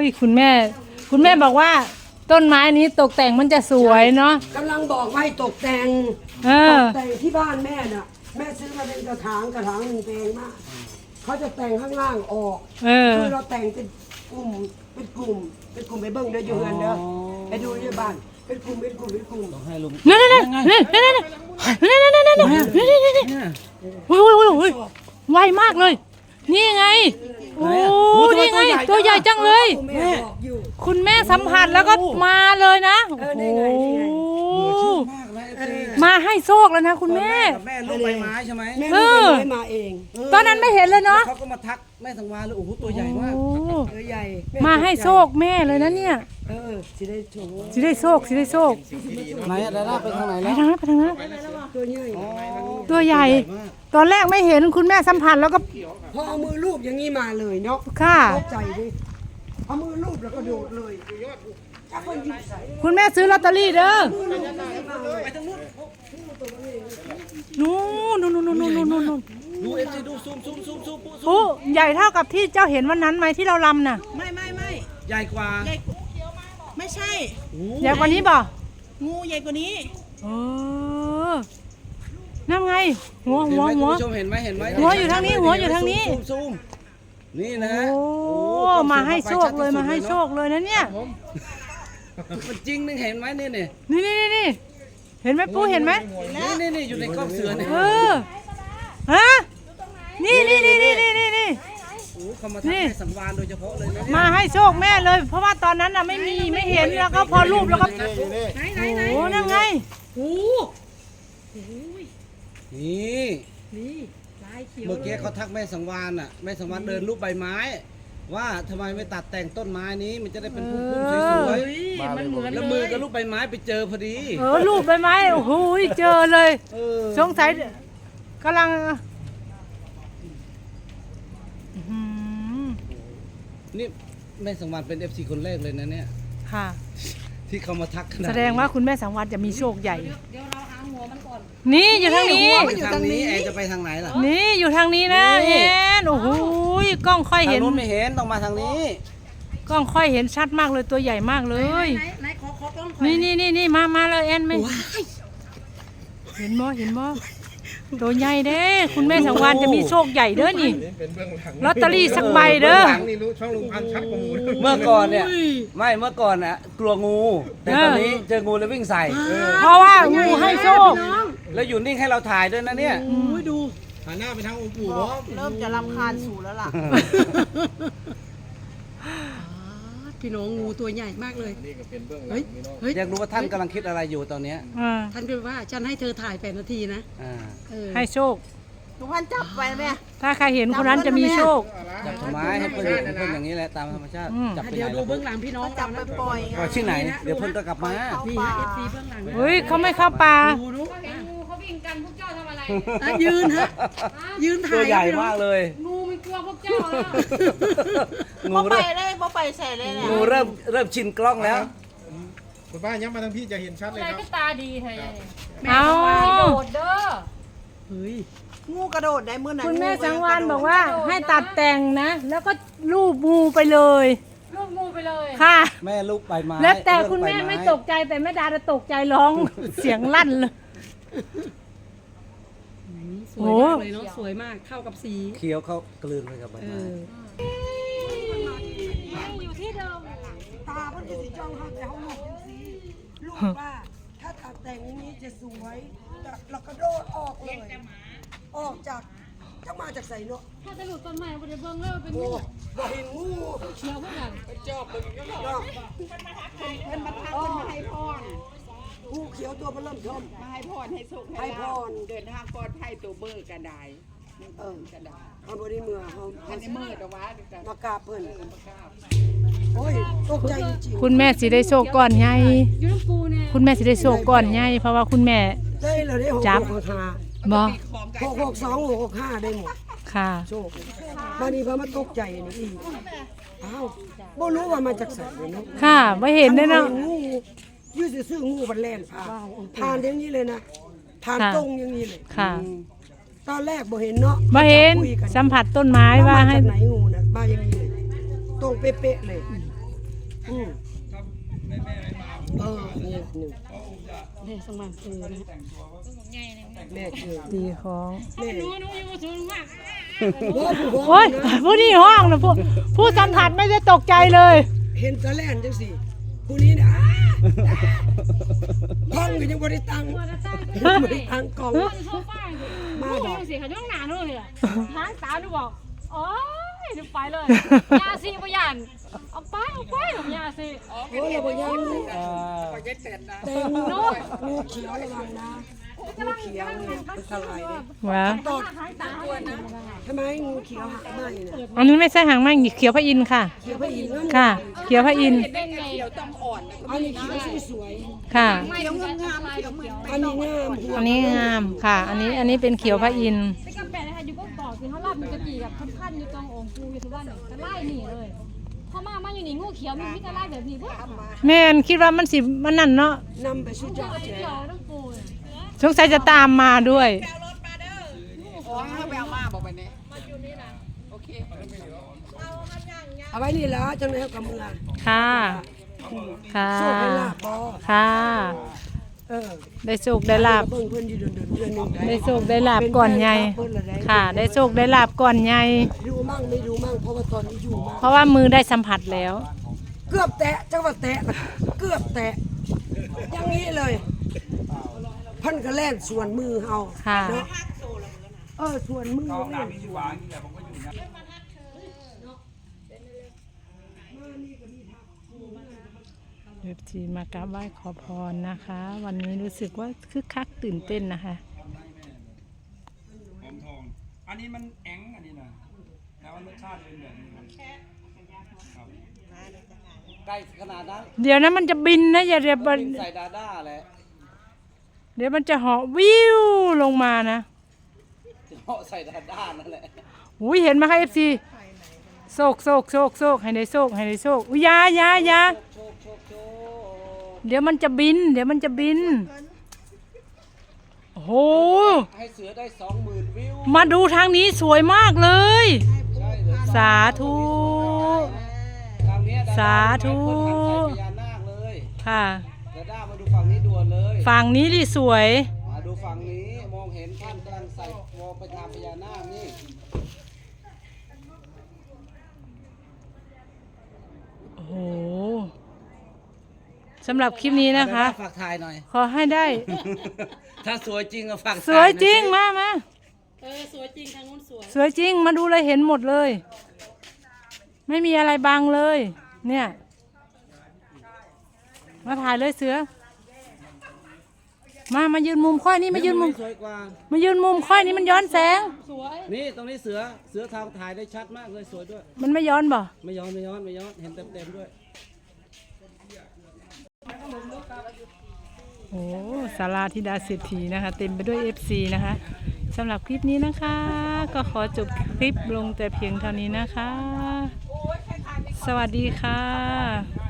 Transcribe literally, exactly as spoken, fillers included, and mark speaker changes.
Speaker 1: คุณแม่คุณแม่บอกว่าต้นไม้นี้ตกแต่งมันจะสวยเนาะ
Speaker 2: กำลังบอกว่าให้ตกแต่ง
Speaker 1: เอ
Speaker 2: ต
Speaker 1: อก
Speaker 2: แต่งที่บ้านแม่น่ะแม่ซื้อมาเป็นกระถางกระถางหนึ่งเพลงมากเขาจะแต่งข้างล่างออก
Speaker 1: เออ
Speaker 2: คือเราแต่งเป็นกลุ่มเป็นกลุ่มเป็นกลุ่มไปเบิ้งเด้ออยู่เงินเด้อไปดูที่บ้านเป็นกลุ่มเป็นกลุ่มเป็นกลุ่ม
Speaker 3: ให้ลุง
Speaker 1: นั่นนั่นนั่นนั่นนั่นนั่นนั่นนั่นนั่นนั่นนั่นนั่นโอ้ยโอ้ยโอ้ยโอ้ยไวมากเลย นี่ไงโอ้นี่ไงตัวใหญ่จังเลย
Speaker 2: แม่บอกอยู่
Speaker 1: คุณแม่สัมผัสแล้วก็มาเลยนะ
Speaker 2: เออนี่ไงนี่ไง
Speaker 1: โอ้
Speaker 3: มากนะเอฟซี
Speaker 1: มาให้โชคแล้วนะคุณแม่
Speaker 3: กับแม่ลูกใบไม้ใช่ไหม
Speaker 2: แม่ลูกไปไม้มาเอง
Speaker 1: ตอนนั้นไม่เห็นเลยเนาะ
Speaker 3: เขาก็มาทักแม่สังวาเลยโอ้โหตัวใหญ่มาก
Speaker 1: โอ้
Speaker 2: เออใหญ่แ
Speaker 1: มาให้โชคแม่เลยนะเนี่ย
Speaker 2: เออสิได้โชว์
Speaker 1: สิได้โชคสิได้โชค
Speaker 3: ไหนอะดาด้าไปทางไหน
Speaker 1: ไป
Speaker 3: แล้ว
Speaker 1: ทางนั้นไปทางนั้น
Speaker 2: ตัวใหญ่
Speaker 1: ตัวใหญ่ ตอนแรกไม่เห็นคุณแม่สัมผัสแล้วก็
Speaker 2: พอเอามือลูบอย่างนี้มาเลยเนาะ
Speaker 1: ค่ะ
Speaker 2: ตกใจดิเอามือลูบแล้วก็โดดเลยจับคนยิงใส่
Speaker 1: คุณแม่ซื้อลอตเตอรี่เด้อ
Speaker 3: ไปทางนู้น
Speaker 1: นู่นนู่นนู่นนู่นนู่นนู่นนู่น
Speaker 3: ดูเอฟซีดูซูมซูมซูมซูมปุ๊ซูม
Speaker 1: โอ้ใหญ่เท่ากับที่เจ้าเห็นวันนั้นไหมที่เราลำน่ะ
Speaker 4: ไม่ไม่ไม่
Speaker 3: ใหญ่กว่า
Speaker 4: ใหญ่ไม่ใช่
Speaker 1: ใหญ่กว่านี้บ่
Speaker 4: งูใหญ่กว่านี้
Speaker 1: เออนั่นไง หัว
Speaker 3: เห็
Speaker 1: หั
Speaker 3: น
Speaker 1: ว
Speaker 3: ไหม
Speaker 1: หัว
Speaker 3: คุณผู้ชมเห็นไหมเห็นไหม
Speaker 1: หัวอยู่ทางนี้หัวอยู่ทางนี้
Speaker 3: ซูมซูมนี่นะ
Speaker 1: โอ้มาให้โชคเลยมาให้โชคเลยนะเนี่ย
Speaker 3: มันจริงนึงเห็นไหมนี่นี่
Speaker 1: นี่นี่นี่นี่เห็นไหมปูเห็นไหม
Speaker 3: นี่นี่นี่อยู่ในกล้องเสือเนี่ย
Speaker 1: เออฮะนี่นี่นี่นี่นี่นี่นี่
Speaker 3: โอ้เขามาทักแม่สังวานโดยเฉพาะเลยนะเนี่ย
Speaker 1: มาให้โชคแม่เลย เพราะว่าตอนนั้นน่ะไม่มีไม่เห็นแล้วก็พอรูปแล้วก็
Speaker 4: ไหนไหนไหน
Speaker 1: โอ้นั่นไง
Speaker 4: โอ้
Speaker 3: นี่
Speaker 4: นี่ลายเขียว
Speaker 3: เมื่อกี้เขาทักแม่สังวานอ่ะแม่สังวานเดินรูปใบไม้ ว่าทำไมไม่ตัดแต่งต้นไม้นี้มันจะได้เป็นพุ่มๆสวย
Speaker 4: เฮ้ยมันเหมือน
Speaker 3: ๆแล้ว
Speaker 4: เล
Speaker 3: มือย กับรูปใบไม้ไปเจอพอดี
Speaker 1: เออรูปใบไม้โอ้โหเจอเลย
Speaker 3: เออ
Speaker 1: สงสัยกำลังอื้อหือ
Speaker 3: นี่แม่สังวานเป็นเอฟซีคนแรกเลยนะเนี่ย
Speaker 1: ค่ะ
Speaker 3: ที่เขามาทักขนาดนี้
Speaker 1: แสดงว่าคุณแม่สังวานจะมีโชคใหญ่
Speaker 4: เดี๋ยวเราหาหัวมันก่อน
Speaker 1: นี่อยู่ทางนี้
Speaker 3: ไปทางนี้แอนจะไปทางไหนล่ะ
Speaker 1: นี่อยู่ทางนี้นะ
Speaker 3: นี่
Speaker 1: เอ็นโอ้โหกล้องค่อย
Speaker 3: ทาง
Speaker 1: เห็น
Speaker 3: นู้นไม่เห็นต้องมาทางนี้
Speaker 1: กล้องค่อยเห็นชัดมากเลยตัวใหญ่มากเลย
Speaker 4: ไหนไหนขอขอกล้องก่อน
Speaker 1: นี่นี่นี่นี่มามาเลยแอนไหมเห็นบ่เห็นบ่ตัวใหญ่เด้คุณแม่สังวานจะมีโชคใหญ่เด้อนี่
Speaker 5: เป็นเบื้องหลัง
Speaker 1: ลอตเตอรี่สักใบเด้อ
Speaker 5: หลังนี่รู้ช่องลุงพันธุ์ชัดกว่าหมูเลย
Speaker 3: เมื่อก่อนเนี่ยไม่เมื่อก่อนน่ะกลัวงูแต่ตอนนี้เจองูแล้ววิ่งใส่
Speaker 1: เพราะว่างูให้โชค
Speaker 3: แล้วอยู่นิ่งให้เราถ่ายด้วยนะเนี่ย
Speaker 4: โอ้ยดู
Speaker 5: หันหน้าไปทางองค์ปู่บ่
Speaker 4: เริ่มจะรำคาญสู่แล้วล่ะพี่น้องงูตัวใหญ่มากเลย
Speaker 5: นี่ก็เป็นเบื้องหลั
Speaker 4: เฮ้
Speaker 5: ง
Speaker 4: ย
Speaker 5: นี่เนาะ
Speaker 4: เฮ้ย
Speaker 3: อยากรู้ว่าท่านกำลังคิดอะไรอยู่ตอนเนี้ย
Speaker 1: อ่า
Speaker 4: ท่านก็ว่าฉันให้เธอถ่ายแปดนาทีนะ
Speaker 3: อ่า
Speaker 4: เออ
Speaker 1: ให้โชค
Speaker 4: ลุงพันจับไปไหม
Speaker 1: ถ้าใครเห็นคนนั้นจะมีโชค
Speaker 3: จับต้นไม้ให้เพื่อนอยู่เพื่อนอย่างนี้แหละตามธรรมชาติ
Speaker 1: อืม
Speaker 3: จับไปไหน
Speaker 4: เดี๋ยวดู
Speaker 3: ล่ะ
Speaker 4: เบื้องหลังพี่น้องจับไปปล่อย
Speaker 3: ปล่อยที่ไหน เดี๋ยวเพื่อนก็กลับมา
Speaker 4: นี่ฮะเอฟซีเบื้องหลัง
Speaker 1: เฮ้ยเขาไม่เข้าป่า
Speaker 4: ดูดู
Speaker 6: เห็นงูเขาวิ่งกันพวกเจ้าทำอะไร
Speaker 4: อ่ะยืนฮะยืนถ่าย
Speaker 3: ตัวใหญ่
Speaker 4: พี่น้อง
Speaker 3: มากเลย
Speaker 6: งูมันกลัวพวกเจ้าแล้ว
Speaker 3: งูเริ่ม
Speaker 4: เลยบ่ไปใส่เลยเนี่ย
Speaker 3: งูเริ่มเริ่มชินกล้องแล้ว
Speaker 5: คุณป้าย้ำมาทางพี่จะเห็นชัดเลย
Speaker 6: อะไร
Speaker 5: ครับ
Speaker 6: ก็ตาดีเธอ
Speaker 1: เอา
Speaker 6: โดดเด้อ
Speaker 4: เฮ้ยงูกระโดดได้เมื่อไหร่
Speaker 1: คุณแม่สังวานบอกว่าให้ตัดแต่งนะ แล้วก็รูปงูไปเลย
Speaker 6: ลูกงูไปเลย
Speaker 1: ค่ะ
Speaker 3: แม่ลูกใบไม้
Speaker 1: แล้วแต่คุณ
Speaker 3: เรื่
Speaker 1: แม่
Speaker 3: องใบ
Speaker 1: ไม่ตกใจแต่แม่ดาจะตกใจร้อง เสียงลั่นเลย
Speaker 4: สวยมากเลยเนาะสวยมากเข้ากับสี
Speaker 3: เคี้ยวเขากลืนไปกับใบ
Speaker 4: เอ
Speaker 3: ไม้
Speaker 4: อ
Speaker 6: อยู่ที่เดิม
Speaker 2: ตาเพิ่นจะสิจ้องเฮาแต่เฮาลูกจังซี่ลูกว่าถ้าตัดแต่งอย่างนี้จะสวยแต่เราก็โดดออกเลยออกจากจะมาจากไสเนาะ
Speaker 6: ถ้าจะหลุดต้นไม้บนเบิ้งแล้วเป็น
Speaker 2: โอ้
Speaker 6: งู
Speaker 2: บ่เห็นงู
Speaker 6: เชียวพวกนั้น
Speaker 2: เนาะ
Speaker 4: เพิ่นมาทักเพิ่นมาให้พร
Speaker 2: งูเขียวตัวมันเริ่มทม
Speaker 4: มาให้พรให้สุข
Speaker 2: ให้พร
Speaker 4: เดินทางปลอดภัยตัวเบอร์กระได
Speaker 2: เออ
Speaker 4: กระได
Speaker 2: เอาบ่ได้เมื่อเฮา
Speaker 4: อันนี้มืดเอาไว้กัน
Speaker 2: มากราบเพิ่นโอ้ยตกใจจริง
Speaker 1: คุณแม่สิได้โชคก่อนใหญ่
Speaker 6: อยู่น้ำปูเนี่ย
Speaker 1: คุณแม่สิได้โชคก่อนใหญ่เพราะว่าคุณแม่
Speaker 2: ๆได้เลยได้หก
Speaker 1: จับ
Speaker 2: หกห้า
Speaker 1: บ่
Speaker 2: หกหกสองหกหกห้าได้หมด
Speaker 1: ค่ะ
Speaker 2: โชคบางทีพอมาตกใจนี่อีกอ้าวบ่รู้ว่ามาจากไสเนาะ
Speaker 1: ค่ะไม่เห็นด้วยเนาะ
Speaker 2: งูยืดซื่อๆงูบันแล่นผ่านผ่านอย่างนี้เลยนะผ่าน
Speaker 1: ค่ะ
Speaker 2: ตรงอย่างนี้เลย
Speaker 1: ค่ะ
Speaker 2: ตอนแรกบ่เห็นเนาะ
Speaker 1: บ่เห็น
Speaker 2: คุยกั
Speaker 1: สัมผัสต้นไม้ว่า
Speaker 2: ว่า
Speaker 1: ให้
Speaker 2: มาจากไหนงูน่ะมาอย่างนี้เลยตรงเป๊ะๆเลยอืมเออเนี่ยหนึ่ง
Speaker 6: เด็กสมัครซื้อนะ
Speaker 2: แม่เจอ
Speaker 1: ตีของ
Speaker 2: แม่
Speaker 6: หนูหนูอยู่สูงมาก
Speaker 2: บ่ผู้
Speaker 1: โอ้ยผู้นี่ห้องนะผู้ผู้สัมผัสไม่ได้ตกใจเลย
Speaker 2: เห็นตะแล่นจังสิผู้นี้เนี่ยอ้าท้องก็ยังบ่ได้ตังค์
Speaker 6: ตัวจะตั้ง
Speaker 2: บ่ได้ตังค์กล่อง
Speaker 6: โซฟามาดอกสิเขาย่องหนาเลยอ่ะล้างตาดูบอกโอ้ยดูไปเลยยาสีพยันเอาไปเอาไปของยาสี
Speaker 2: โอ้ยเราบ่ยัง
Speaker 3: เอ่อ
Speaker 2: แต่งูงูเขียวระวังนะงูเขียวเนี่ยมันทลายเลย
Speaker 1: ว้า
Speaker 2: ตด
Speaker 6: ล้างตา
Speaker 2: ทำไมงูเขียวหักไหมเนี่ย
Speaker 1: อันนี้ไม่ใช่หางไหมเขียวพระอินทร์ค่ะ
Speaker 2: เขียวพระอินทร์นั่น
Speaker 1: ค่ะ เขียวพระอินทร์
Speaker 6: เป็นไง
Speaker 2: อันนี้เขียวสวย
Speaker 1: ค่ะ
Speaker 6: ไม่ต้องงามเขียวเหมือน
Speaker 2: ๆอันนี้งามหัว
Speaker 1: อันนี้งามค่ะ อันนี้อันนี้เป็นเขียวพระอินทร์
Speaker 6: เป็นกำแพงนะคะอยู่ก็บอกคือเขาลาบมันจะตีกับพันๆอยู่ตรงองค์ปูอยู่ทุกวันเนี่ยจะไล่หนีเลยพอมามาอยู่นี่งูเขียวมีมิตรไล่แบบนี้พวก
Speaker 1: แม่นคิดว่ามันสิมันนั่นเนาะ
Speaker 2: นำไปสุดยอด
Speaker 6: เขี
Speaker 2: แจ๋
Speaker 6: ยวต้องปู
Speaker 1: สงสัยจะตามมาด้วย
Speaker 2: เอาไว้นี่แล้วจังเลยกับมือ
Speaker 1: ค่ะ ค่ะ
Speaker 2: โชคให้ลาบบ่
Speaker 1: ค่ะ
Speaker 2: เออ
Speaker 1: ได้โชคได้ลาบ
Speaker 2: เบิ่งเพิ่นอยู่เดือนเดือนเดือนหนึง
Speaker 1: ได้โชคได้ลาบก่อนใหญ่ค่ะ ได้โชคได้ลาบก่อนใหญ่
Speaker 2: ดูมั่งไม่ดูมั่งเพราะว่าตอนนี้อยู่มั่ง
Speaker 1: เพราะว่ามือได้สัมผัสแล้ว
Speaker 2: เกือบแตะจังหวัดแตะเกือบแตะอย่างนี้เลยเพันก็แล่นส่วนมือเฮา
Speaker 1: ค่ะ
Speaker 2: เนาะเออส่วนมือแล่นส่วน
Speaker 1: เอฟซีมากราบไหว้ขอพรนะคะ วันนี้รู้สึกว่าคึกคักตื่นเต้นนะคะ
Speaker 7: หอมทอง อันนี้มันแองอันนี้นะแต่ว่ารสชาติเป็นแบบนี้ครับ
Speaker 3: ใกล้ขนาดนั้น
Speaker 1: เดี๋ยวนะมันจะบินนะอย่าเดี๋ยวมัน
Speaker 3: ใส่ดาด้าแหละ
Speaker 1: เดี๋ยวมันจะเหาะวิวลงมานะ
Speaker 3: เหาะใส่ดาด้านั่นแหละ
Speaker 1: อุ้ยเห็นไหมคะเอฟซีโศกโศกโศกโศกให้ได้โศกให้ได้โศกอุ้ยอยาอยาอยา
Speaker 3: โชคโชคโชค
Speaker 1: เดี๋ยวมันจะบิน เดี๋ยวมันจะบินโอ้โห
Speaker 3: ให้เสือได้สองหมื่นวิว
Speaker 1: มาดูทางนี้สวยมากเลย
Speaker 3: ใช่เลย
Speaker 1: สาธุ
Speaker 3: ทางเนี้ยดด้
Speaker 1: สาธุ
Speaker 3: คนหันใส่พญานาคเลย
Speaker 1: ค่ะ
Speaker 3: ดาด้ามาดูฝั่งนี้ด่วนเลย
Speaker 1: ฝั่งนี้ดิสวย
Speaker 3: มาดูฝั่งนี้มองเห็นท่านกำลังใส่มองไปทางพญานาคนี่
Speaker 1: โอ้โหสำหรับคลิปนี้นะคะ
Speaker 3: ดาด้าฝากถ่ายหน่อย
Speaker 1: ขอให้ได้
Speaker 3: ถ้าสวยจริงก็ฝาก
Speaker 1: สวยจริง
Speaker 3: ถ่าหน่อ
Speaker 1: มามา
Speaker 6: เออสวยจริงทางนู้นสวย
Speaker 1: สวยจริงมาดูเลยเห็นหมดเลย ไม่มีอะไรบังเลย เนี่ย มาถ่ายเลยเสือ มามายืนมุมค่อยนี่มายืนมุม
Speaker 3: สวยกว่า
Speaker 1: มายืนมุมค่อยนี่มันย้อนแสง
Speaker 6: สวย
Speaker 3: นี่ตรงนี้เสือ เสือทางถ่ายได้ชัดมากเลยสวยด้วย
Speaker 1: มันไม่ย้อนบ่
Speaker 3: ไม่ย้อนไม่ย้อนไม่ย้อน เห็นเต็มเต็มๆด้วย
Speaker 1: โอ้ศาลาธิดาเศรษฐีนะคะ เต็มไปด้วย เอฟ ซี นะคะสำหรับคลิปนี้นะคะ ก็ขอจบคลิปลงแต่เพียงเท่านี้นะคะ สวัสดีค่ะ